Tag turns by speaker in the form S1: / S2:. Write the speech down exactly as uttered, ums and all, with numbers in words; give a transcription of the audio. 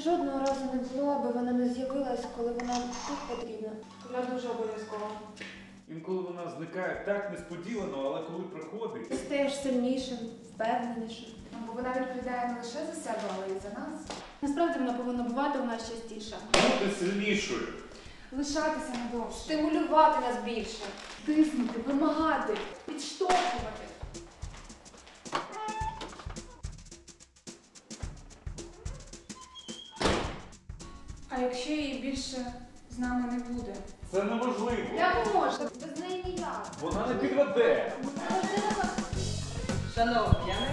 S1: жодного разу не було, аби вона не з'явилась, коли вона так потрібна.
S2: Я дуже обов'язково.
S3: Інколи вона зникає так несподівано, але коли приходить...
S1: Ти стаєш сильнішим, впевненішим.
S2: Бо вона відповідає не лише за себе, але й за нас.
S4: Насправді вона повинна бувати у нас частіше.
S3: Бути сильнішою.
S2: Лишатися надовше.
S1: Стимулювати нас більше.
S2: Тиснути, вимагати, підштовхувати. А якщо її більше з нами не буде?
S3: Це неможливо.
S2: Як можна?
S1: Без неї ніяк.
S3: Вона не підведе.
S1: Завжди на нас.
S5: Шановні, я